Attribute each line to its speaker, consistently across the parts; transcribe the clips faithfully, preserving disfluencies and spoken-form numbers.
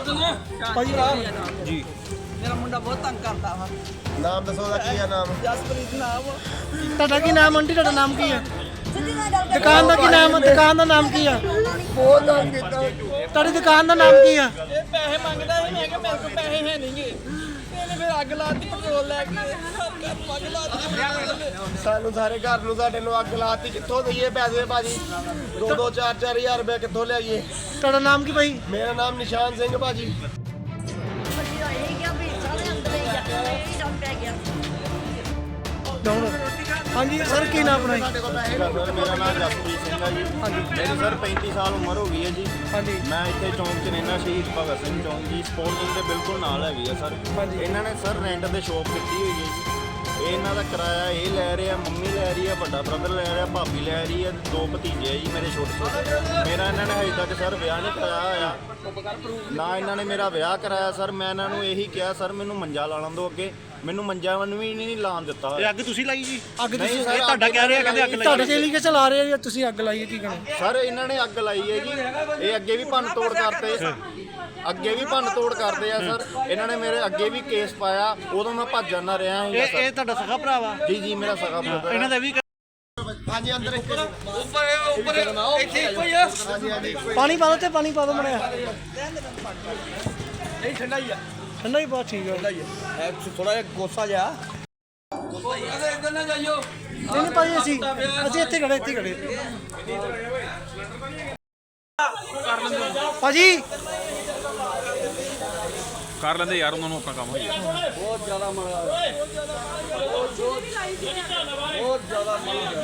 Speaker 1: ਭਾਜੀ
Speaker 2: ਜੀ
Speaker 3: ਮੇਰਾ ਮੁੰਡਾ ਬਹੁਤ ਤੰਗ ਕਰਦਾ ਵਾ।
Speaker 4: ਨਾਮ ਦੱਸੋ ਉਹਦਾ ਕੀ ਆ ਨਾਮ?
Speaker 3: ਜਸਪ੍ਰੀਤ ਨਾਮ ਵਾ।
Speaker 1: ਤੁਹਾਡਾ ਕੀ ਨਾਮ ਆਂਟੀ? ਤੁਹਾਡਾ ਨਾਮ ਕੀ ਆ? ਦੁਕਾਨ ਦਾ ਕੀ ਨਾਮ? ਦੁਕਾਨ ਦਾ ਨਾਮ ਕੀ ਆ?
Speaker 4: ਬਹੁਤ ਨਾਮ ਕੀਤਾ।
Speaker 1: ਤੁਹਾਡੀ ਦੁਕਾਨ ਦਾ ਨਾਮ ਕੀ ਆ?
Speaker 3: ਇਹ ਪੈਸੇ ਮੰਗਦਾ ਸੀ, ਮੈਂ ਕਿਹਾ ਮੇਰੇ ਕੋਲ ਪੈਸੇ ਹੈ ਨਹੀਂਗੇ। ਇਹਨੇ ਫਿਰ ਅੱਗ ਲਾਤੀ ਪੈਟਰੋਲ ਲੈ ਕੇ। ਘਰ ਨੂੰ ਅੱਗ ਲਾਤੀ।
Speaker 4: ਸਾਨੂੰ ਸਾਰੇ ਘਰ ਨੂੰ ਸਾਡੇ ਨੂੰ ਅੱਗ ਲਾਤੀ। ਕਿੱਥੋਂ ਦਈਏ ਪੈਸੇ ਭਾਜੀ? ਦੋ ਦੋ ਚਾਰ ਚਾਰ ਹਜ਼ਾਰ ਰੁਪਏ ਕਿੱਥੋਂ ਲਿਆਈਏ?
Speaker 1: ਤੁਹਾਡਾ ਨਾਮ ਕੀ ਭਾਈ?
Speaker 4: ਮੇਰਾ ਨਾਮ ਨਿਸ਼ਾਨ ਸਿੰਘ ਭਾਜੀ।
Speaker 1: ਹਾਂਜੀ ਸਰ, ਕੀ ਨਾਮ ਆਪਣਾ ਜੀ?
Speaker 5: ਸਰ ਮੇਰਾ ਨਾਮ ਜਸਪ੍ਰੀਤ ਸਿੰਘ ਹੈ ਜੀ। ਮੇਰੀ ਸਰ ਪੈਂਤੀ ਸਾਲ ਉਮਰ ਹੋ ਗਈ ਹੈ ਜੀ।
Speaker 1: ਹਾਂਜੀ
Speaker 5: ਮੈਂ ਇੱਥੇ ਚੌਂਕ 'ਚ ਰਹਿਣਾ, ਸ਼ਹੀਦ ਭਗਤ ਸਿੰਘ ਚੌਂਕ ਜੀ। ਸਪੋਰਟਿੰਗ ਦੇ ਬਿਲਕੁਲ ਨਾਲ ਹੈਗੀ ਆ ਸਰ। ਇਹਨਾਂ ਨੇ ਸਰ ਰੈਂਟ ਤੇ ਸ਼ੋਪ ਕੀਤੀ ਹੋਈ ਹੈ ਜੀ। ਇਹ ਇਹਨਾਂ ਦਾ ਕਿਰਾਇਆ ਇਹ ਲੈ ਰਿਹਾ, ਮੰਮੀ ਲੈ ਰਹੀ ਹੈ, ਵੱਡਾ ਬ੍ਰਦਰ ਲੈ ਰਿਹਾ, ਭਾਬੀ ਲੈ ਰਹੀ ਹੈ, ਦੋ ਭਤੀਜੇ ਆ ਜੀ ਮੇਰੇ ਛੋਟੇ ਛੋਟੇ। ਮੇਰਾ ਇਹਨਾਂ ਨੇ ਹਜੇ ਤੱਕ ਸਰ ਵਿਆਹ ਨਹੀਂ ਕਰਾਇਆ ਹੋਇਆ, ਨਾ ਇਹਨਾਂ ਨੇ ਮੇਰਾ ਵਿਆਹ ਕਰਾਇਆ ਸਰ। ਮੈਂ ਇਹਨਾਂ ਨੂੰ ਇਹੀ ਕਿਹਾ ਸਰ ਮੈਨੂੰ ਮੰਜਾ ਲਾ ਲੈਣ ਦਿਓ ਅੱਗੇ। ਮੈਨੂੰ ਮੰਜਾ ਵਨ ਵੀ ਨਹੀਂ ਲਾਣ ਦਿੱਤਾ।
Speaker 2: ਇਹ ਅੱਗ ਤੁਸੀਂ ਲਾਈ ਜੀ?
Speaker 1: ਅੱਗ ਤੁਸੀਂ
Speaker 5: ਨਹੀਂ ਸਰ,
Speaker 2: ਇਹ ਤੁਹਾਡਾ ਕਹਿ ਰਿਹਾ ਕਹਿੰਦੇ ਅੱਗ ਲਾਈ।
Speaker 1: ਤੁਹਾਡੇ ਚੇਲੀ ਕੇ ਚਲਾ ਰਹੇ ਆ ਜਾਂ ਤੁਸੀਂ ਅੱਗ ਲਾਈ ਹੈ? ਕੀ ਕਹਣਾ
Speaker 5: ਸਰ ਇਹਨਾਂ ਨੇ ਅੱਗ ਲਾਈ ਹੈ ਜੀ। ਇਹ ਅੱਗੇ ਵੀ ਭੰਨ ਤੋੜ ਕਰਦੇ ਅੱਗੇ ਵੀ ਭੰਨ ਤੋੜ ਕਰਦੇ ਆ ਸਰ। ਇਹਨਾਂ ਨੇ ਮੇਰੇ ਅੱਗੇ ਵੀ ਕੇਸ ਪਾਇਆ, ਉਦੋਂ ਮੈਂ ਭੱਜ ਜਾਂਦਾ ਰਿਹਾ ਹਾਂ
Speaker 2: ਇਹ ਇਹ ਤੁਹਾਡਾ ਸਖਾ ਭਰਾ ਵਾ?
Speaker 5: ਜੀ ਜੀ ਮੇਰਾ ਸਗਾ ਬ੍ਰਦਰ।
Speaker 2: ਇਹਨਾਂ ਦਾ ਵੀ
Speaker 4: ਹਾਂਜੀ ਅੰਦਰ ਇੱਥੇ
Speaker 1: ਪਾਣੀ ਪਾ ਦੋ ਤੇ ਪਾਣੀ ਪਾ ਦੋ ਮੜਿਆ।
Speaker 3: ਨਹੀਂ ਠੰਡਾ ਹੀ ਆ।
Speaker 1: ਠੰਡਾ ਹੀ ਬਹੁਤ ਠੀਕ ਹੈ।
Speaker 3: ਥੋੜਾ ਜਿਹਾ ਗੋਸਾ ਜਿਹਾ। ਇੱਧਰ ਨਾ ਜਾਈਓ।
Speaker 1: ਨਹੀਂ ਨਹੀਂ ਭਾਈ, ਅਸੀਂ ਅਸੀਂ ਇੱਥੇ ਖੜੇ ਇੱਥੇ ਖੜੇ ਭਾਜੀ।
Speaker 2: ਕਰ ਲੈਂਦੇ ਯਾਰ, ਉਹਨਾਂ ਨੂੰ ਆਪਣਾ ਕੰਮ ਹੋਈ
Speaker 3: ਬਹੁਤ ਜ਼ਿਆਦਾ ਮਾੜਾ ਬਹੁਤ ਜ਼ਿਆਦਾ ਮਾੜਾ।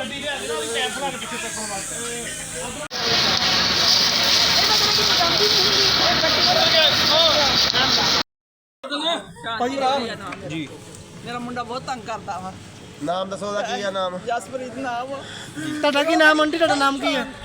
Speaker 1: ਭਾਜੀ
Speaker 2: ਜੀ
Speaker 3: ਮੇਰਾ ਮੁੰਡਾ ਬਹੁਤ ਤੰਗ ਕਰਦਾ ਵਾ।
Speaker 4: ਨਾਮ ਦੱਸੋ ਉਹਦਾ ਕੀ ਆ ਨਾਮ?
Speaker 3: ਜਸਪ੍ਰੀਤ ਨਾਮ ਵਾ।
Speaker 1: ਤੁਹਾਡਾ ਕੀ ਨਾਮ ਆਂਟੀ? ਤੁਹਾਡਾ ਨਾਮ ਕੀ ਆ?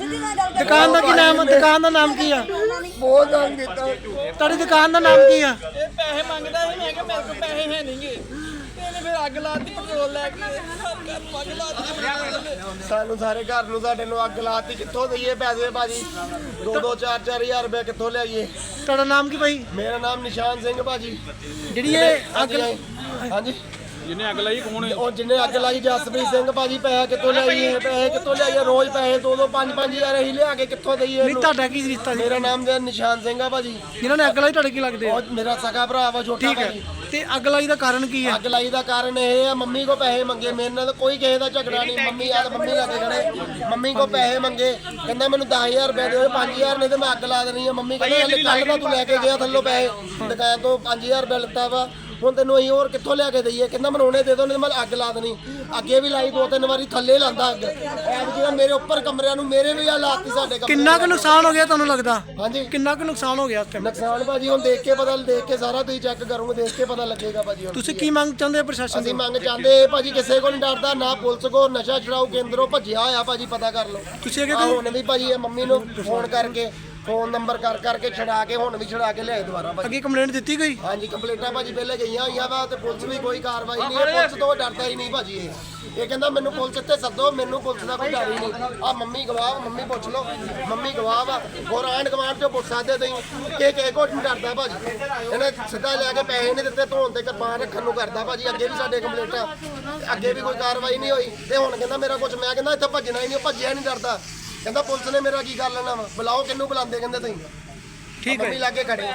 Speaker 1: ਦੁਕਾਨ ਦਾ ਕੀ ਨਾਮ? ਦੁਕਾਨ ਦਾ ਨਾਮ ਕੀ ਆ?
Speaker 4: ਬਹੁਤ ਨਾਮ ਕੀਤਾ।
Speaker 1: ਤੁਹਾਡੀ ਦੁਕਾਨ ਦਾ ਨਾਮ ਕੀ ਆ?
Speaker 3: ਇਹ ਪੈਸੇ ਮੰਗਦਾ ਸੀ, ਮੈਂ ਕਿਹਾ ਮੇਰੇ ਕੋਲ ਪੈਸੇ ਹੈ ਨਹੀਂਗੇ। ਇਹਨੇ ਫਿਰ ਅੱਗ ਲਾਤੀ ਪੈਟਰੋਲ ਲੈ ਕੇ। ਘਰ ਨੂੰ ਅੱਗ ਲਾਤੀ।
Speaker 4: ਸਾਨੂੰ ਸਾਰੇ ਘਰ ਨੂੰ ਸਾਡੇ ਨੂੰ ਅੱਗ ਲਾਤੀ। ਕਿੱਥੋਂ ਦਈਏ ਪੈਸੇ ਭਾਜੀ? ਦੋ ਦੋ ਚਾਰ ਚਾਰ ਹਜ਼ਾਰ ਰੁਪਏ ਕਿੱਥੋਂ ਲਿਆਈਏ?
Speaker 1: ਤੁਹਾਡਾ ਨਾਮ ਕੀ ਭਾਈ?
Speaker 4: ਮੇਰਾ ਨਾਮ ਨਿਸ਼ਾਨ ਸਿੰਘ ਭਾਜੀ।
Speaker 1: ਜਿਹੜੀ ਇਹ ਅੱਗ
Speaker 4: ਹਾਂਜੀ
Speaker 2: ਜਿਹਨੇ ਅੱਗ ਲਾਈ ਕੌਣ ਹੈ?
Speaker 4: ਉਹ ਜਿੰਨੇ ਅੱਗ ਲਾਈ ਜਸਪ੍ਰੀਤ ਸਿੰਘ ਭਾਜੀ। ਪੈਸੇ ਕਿੱਥੋਂ ਲਿਆਈਏ? ਪੈਸੇ ਕਿੱਥੋਂ ਲਿਆਈਏ? ਰੋਜ਼ ਪੈਸੇ ਦੋ ਦੋ ਪੰਜ ਪੰਜ ਹਜ਼ਾਰ ਅਸੀਂ ਲਿਆ ਕੇ ਕਿੱਥੋਂ ਦਈਏ
Speaker 1: ਨਹੀਂ,
Speaker 4: ਇਹਨੂੰ?
Speaker 1: ਤੁਹਾਡਾ ਕੀ ਰਿਸ਼ਤਾ ਜੀ?
Speaker 4: ਮੇਰਾ ਨਾਮ ਜੀ ਨਿਸ਼ਾਨ ਸਿੰਘ ਆ ਭਾਜੀ।
Speaker 1: ਜਿਨ੍ਹਾਂ ਨੇ ਅੱਗ ਲਾਈ ਤੁਹਾਡੇ ਕੀ ਲੱਗਦੇ ਆ?
Speaker 4: ਉਹ ਮੇਰਾ ਸਗਾ ਭਰਾ ਵਾ ਛੋਟਾ
Speaker 1: ਠੀਕ ਹੈ।
Speaker 4: ਭਾਜੀ।
Speaker 1: ਤੇ ਅੱਗ ਲਾਈ ਦਾ ਕਾਰਨ ਕੀ ਹੈ?
Speaker 4: ਅੱਗ ਲਾਈ ਦਾ ਕਾਰਨ ਇਹ ਆ, ਮੰਮੀ ਕੋ ਪੈਸੇ ਮੰਗੇ। ਮੇਰੇ ਨਾਲ ਕੋਈ ਕਿਸੇ ਦਾ ਝਗੜਾ ਨਹੀਂ। ਮੰਮੀ ਆ ਮੰਮੀ ਲਾ ਕੇ ਖੜੇ। ਮੰਮੀ ਕੋ ਪੈਸੇ ਮੰਗੇ, ਕਹਿੰਦਾ ਮੈਨੂੰ ਦਸ ਹਜ਼ਾਰ ਰੁਪਏ ਦਿਓ, ਪੰਜ ਹਜ਼ਾਰ ਨਹੀਂ ਤੇ ਮੈਂ ਅੱਗ ਲਾ ਦੇਣੀ ਆ। ਮੰਮੀ ਕਹਿੰਦਾ ਕੱਲ ਦਾ ਤੂੰ ਲੈ ਕੇ ਗਿਆ ਥੱਲੋਂ ਪੈਸੇ, ਦੁਕਾਨ ਤੋਂ ਪੰਜ ਹਜ਼ਾਰ ਰੁਪਏ ਲਿੱਤਾ ਵਾ। ਹੁਣ ਤੈਨੂੰ ਅਸੀਂ ਹੋਰ ਕਿੱਥੋਂ ਲਿਆ ਕੇ ਦਈਏ? ਕਹਿੰਦਾ ਮਨਾਉਣੇ ਦੇ ਦੋ, ਨਹੀਂ ਮੈਂ ਅੱਗ ਲਾ ਦੇਣੀ। ਅੱਗੇ ਵੀ ਲਾਈ ਦੋ ਤਿੰਨ ਵਾਰੀ, ਥੱਲੇ ਲਾਂਦਾ ਅੱਗ। ਐਬ ਜਿਹੜਾ ਮੇਰੇ ਉੱਪਰ ਕਮਰਿਆਂ ਨੂੰ ਮੇਰੇ ਵੀ ਆ ਲਾਤੀ ਸਾਡੇ ਕਮਰੇ।
Speaker 1: ਕਿੰਨਾ ਕੁ ਨੁਕਸਾਨ ਹੋ ਗਿਆ ਤੁਹਾਨੂੰ ਲੱਗਦਾ?
Speaker 4: ਹਾਂਜੀ
Speaker 1: ਕਿੰਨਾ ਕੁ ਨੁਕਸਾਨ ਹੋ ਗਿਆ ਇਸ time?
Speaker 4: ਨੁਕਸਾਨ ਭਾਜੀ ਹੁਣ ਦੇਖ ਕੇ ਪਤਾ, ਦੇਖ ਕੇ ਸਾਰਾ ਤੁਸੀਂ ਚੈੱਕ ਕਰੋਗੇ, ਦੇਖ ਕੇ ਪਤਾ ਲੱਗੇਗਾ ਭਾਜੀ। ਹੁਣ
Speaker 1: ਤੁਸੀਂ ਕੀ ਮੰਗ ਚਾਹੁੰਦੇ ਹੋ ਪ੍ਰਸ਼ਾਸਨ
Speaker 4: ਅਸੀਂ
Speaker 1: ਤੋਂ?
Speaker 4: ਮੰਗ ਚਾਹੁੰਦੇ ਭਾਜੀ, ਕਿਸੇ ਕੋਲ ਨਹੀਂ ਡਰਦਾ, ਨਾ ਪੁਲਿਸ ਕੋ, ਨਸ਼ਾ ਛੁਡਾਊ ਕੇਂਦਰੋਂ ਭੱਜਿਆ ਹੋਇਆ ਭਾਜੀ, ਪਤਾ ਕਰ ਲਓ।
Speaker 1: ਤੁਸੀਂ ਅੱਗੇ
Speaker 4: ਆਹ ਹੁਣ ਵੀ ਭਾਜੀ ਇਹ ਮੰਮੀ ਨੂੰ ਫੋਨ ਕਰਕੇ, ਫੋਨ ਨੰਬਰ ਕਰ ਕਰਕੇ ਛਡਾ ਕੇ, ਹੁਣ ਵੀ ਛਡਾ ਕੇ ਲਿਆਏ ਦੁਬਾਰਾ ਭਾਜੀ।
Speaker 1: ਅੱਗੇ ਕੰਪਲੇਂਟ ਦਿੱਤੀ ਗਈ?
Speaker 4: ਹਾਂਜੀ ਕੰਪਲੀਟਾਂ ਭਾਜੀ ਪਹਿਲੇ ਗਈਆਂ ਹੋਈਆਂ ਵਾ, ਤੇ ਪੁਲਿਸ ਵੀ ਕੋਈ ਕਾਰਵਾਈ ਨਹੀਂ ਹੈ। ਪੁਲਿਸ ਤੋਂ ਡਰਦਾ ਹੀ ਨਹੀਂ ਭਾਜੀ। ਇਹ ਇਹ ਕਹਿੰਦਾ ਮੈਨੂੰ ਪੁਲਿਸ ਇੱਥੇ ਸੱਦੋ, ਮੈਨੂੰ ਪੁਲਿਸ ਦਾ ਕੋਈ ਡਰ ਹੀ ਨਹੀਂ। ਆ ਮੰਮੀ ਗਵਾਹ, ਮੰਮੀ ਪੁੱਛ ਲਓ, ਮੰਮੀ ਗਵਾਹ ਵਾ। ਹੋਰ ਆਂਢ ਗੁਆਂਢ ਚੋਂ ਪੁੱਛ ਸਕਦੇ ਤੁਸੀਂ ਕਿ ਕਿਸੇ ਕੋਲ ਨਹੀਂ ਡਰਦਾ ਭਾਜੀ। ਇਹਨੇ ਸਿੱਧਾ ਲੈ ਕੇ ਪੈਸੇ ਨਹੀਂ ਦਿੱਤੇ, ਧੋਣ ਤੇ ਕਿਰਪਾਨ ਰੱਖਣ ਨੂੰ ਕਰਦਾ ਭਾਜੀ। ਅੱਗੇ ਵੀ ਸਾਡੇ ਕੰਪਲੀਟਾਂ, ਅੱਗੇ ਵੀ ਕੋਈ ਕਾਰਵਾਈ ਨਹੀਂ ਹੋਈ। ਤੇ ਹੁਣ ਕਹਿੰਦਾ ਮੇਰਾ ਕੁਝ, ਮੈਂ ਕਹਿੰਦਾ ਇੱਥੇ ਭੱਜਣਾ ਹੀ ਨਹੀਂ, ਭੱਜਿਆ ਨਹੀਂ ਡਰਦਾ। ਕਹਿੰਦਾ ਪੁਲਿਸ ਨੇ ਮੇਰਾ ਕੀ ਕਰ ਲੈਣਾ ਵਾ? ਬੁਲਾਓ, ਕਿਹਨੂੰ ਬੁਲਾਉਂਦੇ ਕਹਿੰਦੇ ਤੁਸੀਂ?
Speaker 1: ਠੀਕ ਹੈ।
Speaker 4: ਮੰਮੀ ਲਾਗੇ ਖੜੇ।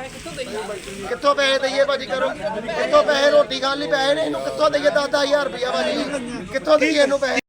Speaker 4: ਕਿੱਥੋਂ ਪੈਸੇ ਦਈਏ ਭਾਜੀ? ਕਰੋ ਕਿੱਥੋਂ ਪੈਸੇ? ਰੋਟੀ ਖਾਣ ਲਈ ਪੈਸੇ ਨੇ, ਇਹਨੂੰ ਕਿੱਥੋਂ ਦਈਏ? ਦਸ ਦਸ ਹਜ਼ਾਰ ਰੁਪਇਆ ਭਾਜੀ, ਕਿੱਥੋਂ ਦਈਏ ਇਹਨੂੰ ਪੈਸੇ?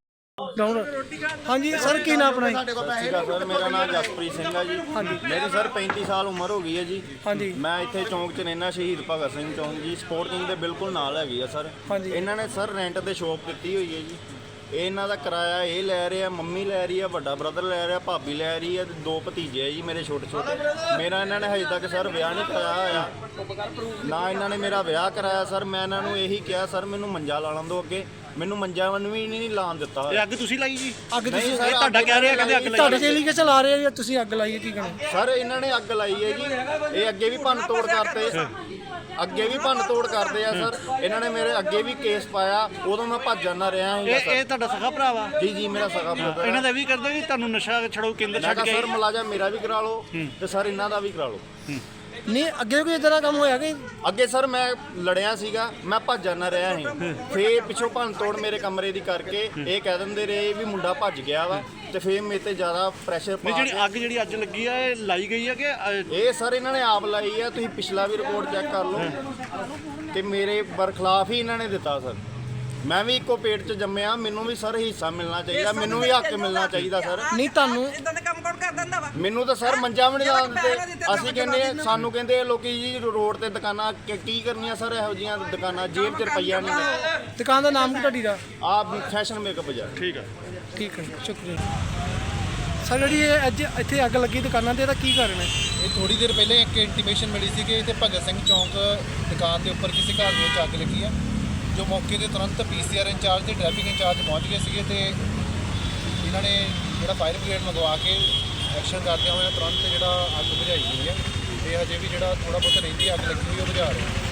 Speaker 1: ਹਾਂਜੀ ਸਰ, ਕੀ ਨਾਮ ਆਪਣਾ ਜੀ?
Speaker 4: ਸਾਡੇ ਕੋਲ ਪੈਸੇ
Speaker 5: ਸਰ ਮੇਰਾ ਨਾਮ ਜਸਪ੍ਰੀਤ ਸਿੰਘ ਹੈ ਜੀ। ਮੇਰੀ ਸਰ ਪੈਂਤੀ ਸਾਲ ਉਮਰ ਹੋ ਗਈ ਹੈ ਜੀ।
Speaker 1: ਹਾਂਜੀ
Speaker 5: ਮੈਂ ਇੱਥੇ ਚੌਂਕ 'ਚ ਰਹਿਣਾ, ਸ਼ਹੀਦ ਭਗਤ ਸਿੰਘ ਚੌਂਕ ਜੀ। ਸਪੋਰਟਿੰਗ ਦੇ ਬਿਲਕੁਲ ਨਾਲ ਹੈਗੀ ਆ ਸਰ। ਇਹਨਾਂ ਨੇ ਸਰ ਰੈਂਟ ਤੇ ਸ਼ੋਪ ਕੀਤੀ ਹੋਈ ਹੈ ਜੀ। ਇਹ ਇਹਨਾਂ ਦਾ ਕਿਰਾਇਆ ਇਹ ਲੈ ਰਿਹਾ, ਮੰਮੀ ਲੈ ਰਹੀ ਹੈ, ਵੱਡਾ ਬ੍ਰਦਰ ਲੈ ਰਿਹਾ, ਭਾਬੀ ਲੈ ਰਹੀ ਹੈ, ਦੋ ਭਤੀਜੇ ਆ ਜੀ ਮੇਰੇ ਛੋਟੇ ਛੋਟੇ। ਮੇਰਾ ਇਹਨਾਂ ਨੇ ਹਜੇ ਤੱਕ ਸਰ ਵਿਆਹ ਨਹੀਂ ਕਰਾਇਆ ਹੋਇਆ, ਨਾ ਇਹਨਾਂ ਨੇ ਮੇਰਾ ਵਿਆਹ ਕਰਾਇਆ ਸਰ। ਮੈਂ ਇਹਨਾਂ ਨੂੰ ਇਹੀ ਕਿਹਾ ਸਰ ਮੈਨੂੰ ਮੰਜਾ ਲਾ ਲੈਣ ਦਿਓ ਅੱਗੇ। ਮੈਨੂੰ ਮੰਜਾ ਵਨ ਵੀ ਨਹੀਂ ਲਾਣ ਦਿੱਤਾ।
Speaker 2: ਇਹ ਅੱਗ ਤੁਸੀਂ ਲਾਈ ਜੀ?
Speaker 1: ਅੱਗ ਤੁਸੀਂ
Speaker 5: ਨਹੀਂ ਸਰ,
Speaker 2: ਇਹ ਤੁਹਾਡਾ ਕਹਿ ਰਿਹਾ ਕਹਿੰਦੇ ਅੱਗ ਲਾਈ।
Speaker 1: ਤੁਹਾਡੇ ਚੇਲੀ ਕੇ ਚਲਾ ਰਹੇ ਆ ਜਾਂ ਤੁਸੀਂ ਅੱਗ ਲਾਈ ਹੈ? ਕੀ ਕਹਣਾ
Speaker 5: ਸਰ ਇਹਨਾਂ ਨੇ ਅੱਗ ਲਾਈ ਹੈ ਜੀ। ਇਹ ਅੱਗੇ ਵੀ ਭੰਨ ਤੋੜ ਕਰਦੇ ਅੱਗੇ ਵੀ ਭੰਨ ਤੋੜ ਕਰਦੇ ਆ ਸਰ। ਇਹਨਾਂ ਨੇ ਮੇਰੇ ਅੱਗੇ ਵੀ ਕੇਸ ਪਾਇਆ, ਉਦੋਂ ਮੈਂ ਭੱਜ ਜਾਂਦਾ ਰਿਹਾ ਹਾਂ
Speaker 2: ਇਹ ਇਹ ਤੁਹਾਡਾ ਸਖਾ ਭਰਾ ਵਾ?
Speaker 5: ਜੀ ਜੀ ਮੇਰਾ ਸਗਾ ਬ੍ਰਦਰ।
Speaker 2: ਇਹਨਾਂ ਦਾ ਵੀ ਕਰਦੇ ਵੀ ਤੁਹਾਨੂੰ ਨਸ਼ਾ ਛੜਾਊ ਕੇਂਦਰ
Speaker 5: ਮੈਂ
Speaker 2: ਛੱਡ
Speaker 5: ਕਿਹਾ
Speaker 2: ਕੇ
Speaker 5: ਸਰ ਮੁਲਾਜ਼ਮ ਮੇਰਾ ਵੀ ਕਰਾ ਲਓ ਤੇ ਸਰ ਇਹਨਾਂ ਦਾ ਵੀ ਕਰਾ ਲਓ।
Speaker 1: ਨਹੀਂ ਅੱਗੇ ਕੋਈ ਇਦਾਂ ਦਾ ਕੰਮ ਹੋਇਆ ਕਿ
Speaker 5: ਅੱਗੇ ਸਰ ਮੈਂ ਲੜਿਆ ਸੀਗਾ, ਮੈਂ ਭੱਜਣ ਨਾ ਰਿਹਾ ਸੀ, ਫੇਰ ਪਿੱਛੋਂ ਭੰਨ ਤੋੜ ਮੇਰੇ ਕਮਰੇ ਦੀ ਕਰਕੇ ਇਹ ਕਹਿ ਦਿੰਦੇ ਰਹੇ ਵੀ ਮੁੰਡਾ ਭੱਜ ਗਿਆ ਵਾ, ਤੇ ਫੇਰ ਮੇਰੇ ਤੇ ਜ਼ਿਆਦਾ ਪ੍ਰੈਸ਼ਰ
Speaker 2: ਨਹੀਂ
Speaker 5: ਪਾ
Speaker 2: ਜਿਹੜੀ
Speaker 5: ਕੇ
Speaker 2: ਅੱਗ ਜਿਹੜੀ ਅੱਜ ਲੱਗੀ ਆ ਇਹ ਲਾਈ ਗਈ ਆ ਕਿ ਅ,
Speaker 5: ਇਹ ਸਰ ਇਹਨਾਂ ਨੇ ਆਪ ਲਾਈ ਆ, ਤੁਸੀਂ ਪਿਛਲਾ ਵੀ ਰਿਪੋਰਟ ਚੈੱਕ ਕਰ ਲਓ ਤੇ ਮੇਰੇ ਬਰਖਲਾਫ ਹੀ ਇਹਨਾਂ ਨੇ ਦਿੱਤਾ ਸਰ। ਮੈਂ ਵੀ ਇੱਕੋ ਪੇਟ 'ਚ ਜੰਮਿਆ, ਮੈਨੂੰ ਵੀ ਸਰ ਹਿੱਸਾ ਮਿਲਣਾ ਚਾਹੀਦਾ, ਮੈਨੂੰ ਵੀ ਹੱਕ ਮਿਲਣਾ ਚਾਹੀਦਾ ਸਰ।
Speaker 1: ਨਹੀਂ ਤੁਹਾਨੂੰ
Speaker 3: ਇਦਾਂ ਦੇ ਕੰਮ ਕੌਣ ਕਰ ਦਿੰਦਾ ਵਾ?
Speaker 5: ਮੈਨੂੰ ਤਾਂ ਸਰ ਮੰਜਾ ਵੀ ਨਹੀਂ ਲਾ ਦਿੰਦੇ। ਅਸੀਂ ਕਹਿੰਦੇ ਆ, ਸਾਨੂੰ ਕਹਿੰਦੇ ਆ ਲੋਕੀ ਜੀ ਰੋਡ ਤੇ ਦੁਕਾਨਾਂ ਕਿ- ਕੀ ਕਰਨੀਆਂ ਸਰ, ਇਹੋ ਜੀਆਂ ਦੁਕਾਨਾਂ ਜੇਬ 'ਚ ਰੁਪਈਆ ਨਹੀਂ।
Speaker 1: ਦੁਕਾਨ ਦਾ ਨਾਮ ਕੀ ਤੁਹਾਡੀ ਦਾ?
Speaker 5: ਆਪ ਫੈਸ਼ਨ ਮੇਕਅਪ ਬਾਜ਼ਾਰ।
Speaker 2: ਠੀਕ ਆ।
Speaker 1: ਠੀਕ ਹੈ ਸ਼ੁਕਰੀਆ ਸਰ। ਜਿਹੜੀ ਇਹ ਅੱਜ ਇੱਥੇ ਅੱਗ ਲੱਗੀ ਦੁਕਾਨਾਂ ਤੇ ਇਹਦਾ ਕੀ ਕਾਰਨ ਹੈ?
Speaker 6: ਇਹ ਥੋੜੀ ਦੇਰ ਪਹਿਲੇ ਇੱਕ ਇੰਟੀਮੇਸ਼ਨ ਮਿਲੀ ਸੀ ਕਿ ਇੱਥੇ ਭਗਤ ਸਿੰਘ ਚੌਂਕ ਦੁਕਾਨ ਦੇ ਉੱਪਰ ਕਿਸੇ ਘਰ ਦੇ ਵਿੱਚ ਅੱਗ ਲੱਗੀ ਆ, ਜੋ ਮੌਕੇ ਤੇ ਤੁਰੰਤ ਪੀਸੀਆਰ ਇੰਚਾਰਜ ਤੇ ਟ੍ਰੈਫਿਕ ਇੰਚਾਰਜ ਪਹੁੰਚ ਗਏ ਸੀਗੇ ਤੇ ਇਹਨਾਂ ਨੇ ਜਿਹੜਾ ਫਾਇਰ ਬ੍ਰਿਗੇਡ ਮੰਗਵਾ ਕੇ ਐਕਸ਼ਨ ਕਰਦਿਆਂ ਹੋਇਆ ਤੁਰੰਤ ਜਿਹੜਾ ਅੱਗ ਬੁਝਾਈ ਗਈ ਹੈ ਤੇ ਹਜੇ ਵੀ ਜਿਹੜਾ ਥੋੜਾ ਬਹੁਤ ਰਹਿੰਦੀ ਅੱਗ ਲੱਗੀ ਹੋਈ ਉਹ ਬੁਝਾ ਰਹੇ ਆ।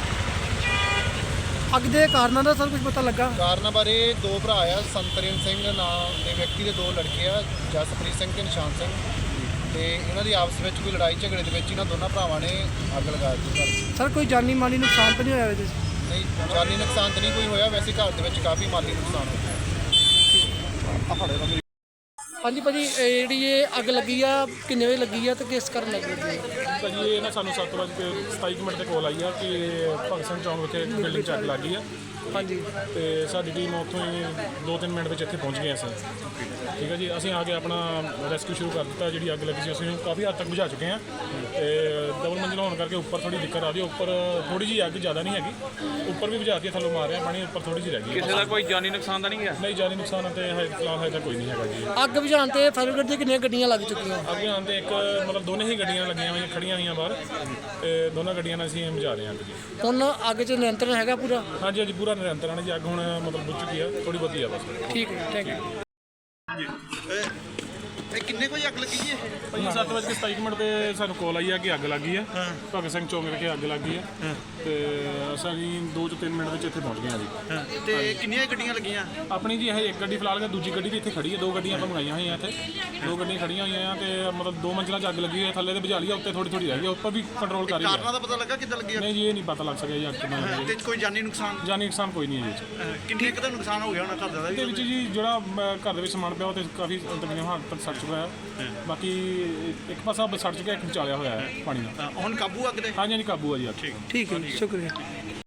Speaker 1: ਅੱਗ ਦੇ ਕਾਰਨਾਂ ਦਾ ਸਰ ਕੁਝ ਪਤਾ ਲੱਗਾ?
Speaker 6: ਕਾਰਨਾਂ ਬਾਰੇ ਦੋ ਭਰਾ ਆ, ਸੰਤਰੇਨ ਸਿੰਘ ਨਾਮ ਦੇ ਵਿਅਕਤੀ ਦੇ ਦੋ ਲੜਕੇ ਆ, ਜਸਪ੍ਰੀਤ ਸਿੰਘ ਤੇ ਨਿਸ਼ਾਨ ਸਿੰਘ, ਤੇ ਇਹਨਾਂ ਦੀ ਆਪਸ ਵਿੱਚ ਕੋਈ ਲੜਾਈ ਝਗੜੇ ਦੇ ਵਿੱਚ ਇਹਨਾਂ ਦੋਨਾਂ ਭਰਾਵਾਂ ਨੇ ਅੱਗ ਲਗਾ ਦਿੱਤੀ ਘਰ।
Speaker 1: ਸਰ ਕੋਈ ਜਾਨੀ ਮਾਲੀ ਨੁਕਸਾਨ ਤਾਂ ਨਹੀਂ ਹੋਇਆ ਇਹਦੇ 'ਚ?
Speaker 6: ਨਹੀਂ ਜਾਨੀ ਨੁਕਸਾਨ ਤਾਂ ਨਹੀਂ ਕੋਈ ਹੋਇਆ, ਵੈਸੇ ਘਰ ਦੇ ਵਿੱਚ ਕਾਫੀ ਮਾਲੀ ਨੁਕਸਾਨ ਹੋਇਆ।
Speaker 1: ਹਾਂਜੀ ਭਾਜੀ ਇਹ ਜਿਹੜੀ ਇਹ ਅੱਗ ਲੱਗੀ ਆ ਕਿੰਨੇ ਵਜੇ ਲੱਗੀ ਆ ਤੇ ਕਿਸ ਕਾਰਨ ਲੱਗੀ ਹੈ?
Speaker 7: ਭਾਜੀ ਇਹ ਨਾ ਸਾਨੂੰ ਸੱਤ ਵਜੇ ਸਤਾਈ ਕੁ ਮਿੰਟ ਤੇ ਕੋਲ ਆਈ ਆ ਕਿ ਭਗਤ ਸਿੰਘ ਚੌਂਕ ਵਿਖੇ ਬਿਲਡਿੰਗ 'ਚ ਅੱਗ ਲੱਗ ਗਈ ਆ।
Speaker 1: ਹਾਂਜੀ
Speaker 7: ਤੇ ਸਾਡੀ ਟੀਮ ਉੱਥੋਂ ਹੀ ਦੋ ਤਿੰਨ ਮਿੰਟ ਵਿੱਚ ਇੱਥੇ ਪਹੁੰਚ ਗਏ ਅਸੀਂ। ਠੀਕ ਹੈ ਜੀ, ਅਸੀਂ ਆ ਕੇ ਆਪਣਾ ਰੈਸਕਿਊ ਸ਼ੁਰੂ ਕਰ ਦਿੱਤਾ। ਜਿਹੜੀ ਅੱਗ ਲੱਗੀ ਸੀ ਅਸੀਂ ਕਾਫੀ ਹੱਦ ਤੱਕ ਬੁਝਾ ਚੁੱਕੇ ਹਾਂ ਤੇ ਡਬਲ ਮੰਜ਼ਿਲ ਹੋਣ ਕਰਕੇ ਉੱਪਰ ਥੋੜੀ ਦਿੱਕਤ ਆ ਰਹੀ ਹੈ। ਉੱਪਰ ਥੋੜੀ ਜਿਹੀ ਅੱਗ ਜ਼ਿਆਦਾ ਨਹੀਂ ਹੈਗੀ, ਉੱਪਰ ਵੀ ਬੁਝਾਤੀ ਥੱਲੋਂ ਮਾਰ ਰਿਹਾ ਪਾਣੀ, ਉੱਪਰ ਥੋੜੀ ਜਿਹੀ ਰਹਿ ਗਈ।
Speaker 2: ਕਿਸੇ ਦਾ ਕੋਈ ਜਾਨੀ ਨੁਕਸਾਨ ਤਾਂ ਨਹੀਂ ਗਿਆ?
Speaker 7: ਨਹੀਂ ਜਾਨੀ ਨੁਕਸਾਨ ਤੇ ਹਜੇ ਫਿਲਹਾਲ ਹਜੇ ਤਾਂ ਕੋਈ ਨਹੀਂ ਹੈਗਾ ਜੀ।
Speaker 1: ਅੱਗ ਬੁਝਾਉਣ ਤੇ ਫਾਇਰ ਬ੍ਰਿਗੇਡ ਦੀਆਂ ਕਿੰਨੀਆਂ ਗੱਡੀਆਂ ਲੱਗ ਚੁੱਕੀਆਂ?
Speaker 7: ਅੱਗੇ ਆਉਣ ਤੇ ਇੱਕ ਮਤਲਬ ਦੋਨੇ ਹੀ ਗੱਡੀਆਂ ਲੱਗੀਆਂ ਹੋਈਆਂ ਖੜੀਆਂ ਹੋਈਆਂ ਬਾਹਰ, ਤੇ ਦੋਨਾਂ ਗੱਡੀਆਂ ਨਾਲ ਅਸੀਂ ਬੁਝਾ ਰਹੇ ਹਾਂ ਅੱਗ ਜੀ।
Speaker 1: ਹੁਣ ਅੱਗ 'ਚ ਨਿਯੰਤਰਣ ਹੈਗਾ ਪੂਰਾ?
Speaker 7: ਹਾਂਜੀ ਹਾਂਜੀ ਪੂਰਾ ਨਿਰੰਤਰ ਹੈ ਜੀ। ਅੱਗ ਹੁਣ ਮਤਲਬ ਬੁੱਝ ਚੁੱਕੀ ਆ, ਥੋੜੀ ਬਹੁਤੀ ਆ ਬਸ।
Speaker 1: ਠੀਕ ਹੈ ਥੈਂਕ ਯੂ।
Speaker 2: ਇਹ ਕਿੰਨੇ ਕੋਈ ਅੱਗ ਲੱਗੀ ਜੀ?
Speaker 7: ਭਾਈ ਸੱਤ ਵਜੇ ਕੇ ਸਤਾਈ ਮਿੰਟ ਤੇ ਸਾਨੂੰ ਕਾਲ ਆਈ ਆ ਕਿ ਅੱਗ ਲੱਗੀ ਆ, ਭਗਤ ਸਿੰਘ ਚੌਂਕ ਵਿਖੇ ਅੱਗ ਲੱਗੀ ਆ, ਤੇ ਅਸੀਂ ਦੋ ਤੋਂ ਤਿੰਨ ਮਿੰਟ ਵਿੱਚ ਇੱਥੇ ਪਹੁੰਚ ਗਏ ਆ ਜੀ।
Speaker 2: ਤੇ ਕਿੰਨੀਆਂ ਗੱਡੀਆਂ ਲੱਗੀਆਂ?
Speaker 7: ਆਪਣੀ ਜੀ ਇਹ ਇੱਕ ਗੱਡੀ ਫਿਲਹਾਲ, ਦੂਜੀ ਗੱਡੀ ਵੀ ਇੱਥੇ ਖੜੀ ਹੈ, ਦੋ ਗੱਡੀਆਂ ਆਪਾਂ ਮੰਗਾਈਆਂ ਹੋਈਆਂ ਇੱਥੇ, ਦੋ ਗੱਡੀਆਂ ਖੜੀਆਂ ਹੋਈਆਂ ਆ, ਤੇ ਮਤਲਬ ਦੋ ਮੰਜ਼ਿਲਾਂ 'ਚ ਅੱਗ ਲੱਗੀ ਹੋਈ ਹੈ, ਥੱਲੇ ਤੇ ਬੁਝਾ ਲਈ ਆ, ਉੱਤੇ ਥੋੜੀ ਥੋੜੀ ਰਹਿ ਗਈ, ਉੱਪਰ ਵੀ ਕੰਟਰੋਲ ਕਰ ਰਹੀ
Speaker 2: ਕਾਰਨਾਂ
Speaker 7: ਹੈ।
Speaker 2: ਦਾ ਪਤਾ ਲੱਗਾ ਕਿੱਦਾਂ ਲੱਗੀ?
Speaker 7: ਨਹੀਂ ਜੀ ਇਹ ਨਹੀਂ ਪਤਾ ਲੱਗ ਸਕਿਆ ਜੀ ਅੱਗ ਕਿੱਦਾਂ ਲੱਗੀ
Speaker 2: ਤੇ ਕੋਈ ਜਾਨੀ ਨੁਕਸਾਨ?
Speaker 7: ਹੈ। ਜਾਨੀ ਨੁਕਸਾਨ ਕੋਈ ਨਹੀਂ ਹੈ ਜੀ।
Speaker 2: ਅ, ਕਿੰਨੇ ਕੁ ਦਾ ਨੁਕਸਾਨ ਹੋ ਗਿਆ ਹੋਣਾ ਘਰ ਦਾ?
Speaker 7: ਇਹਦੇ ਵਿੱਚ ਜੀ ਜਿਹੜਾ ਅਮ, ਘਰ ਦੇ ਵਿੱਚ ਸਮਾਨ ਪਿਆ ਉਹ ਤੇ ਕਾਫੀ ਤਕਰੀਬਨ ਹੱਦ ਤੱਕ ਸੜ ਚੁੱਕਾ ਹੈ। ਬਾਕੀ ਇੱਕ ਪਾਸਾ ਸੜ ਚੁੱਕਿਆ, ਇੱਕ ਵਿਚਾਲਿਆ ਹੋਇਆ ਹੈ ਪਾਣੀ ਨਾਲ।
Speaker 2: ਹੁਣ ਕਾਬੂ ਅੱਗ ਦੇ?
Speaker 7: ਹਾਂਜੀ ਹਾਂਜੀ ਕਾਬੂ ਆ ਜੀ ਅੱਗ।
Speaker 1: ਠੀਕ ਹੈ ਸ਼ੁਕਰੀਆ।